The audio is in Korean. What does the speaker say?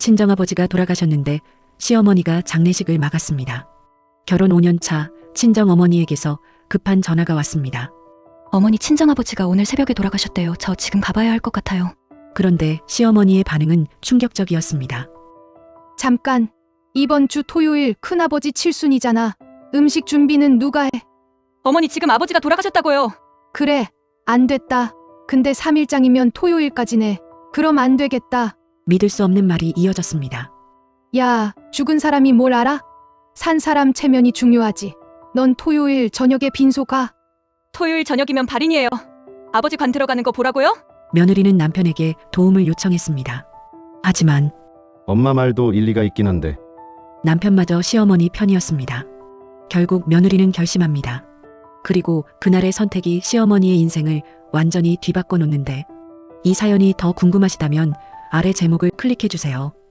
친정아버지가 돌아가셨는데 시어머니가 장례식을 막았습니다. 결혼 5년 차 친정어머니에게서 급한 전화가 왔습니다. 어머니 친정아버지가 오늘 새벽에 돌아가셨대요. 저 지금 가봐야 할 것 같아요. 그런데 시어머니의 반응은 충격적이었습니다. 잠깐, 이번 주 토요일 큰아버지 칠순이잖아. 음식 준비는 누가 해? 어머니 지금 아버지가 돌아가셨다고요. 그래, 안 됐다. 근데 3일장이면 토요일까지네. 그럼 안 되겠다. 믿을 수 없는 말이 이어졌습니다. 야, 죽은 사람이 뭘 알아? 산 사람 체면이 중요하지. 넌 토요일 저녁에 빈소 가. 토요일 저녁이면 발인이에요. 아버지 관 들어가는 거 보라고요? 며느리는 남편에게 도움을 요청했습니다. 하지만 엄마 말도 일리가 있긴 한데. 남편마저 시어머니 편이었습니다. 결국 며느리는 결심합니다. 그리고 그날의 선택이 시어머니의 인생을 완전히 뒤바꿔 놓는데, 이 사연이 더 궁금하시다면 아래 제목을 클릭해 주세요.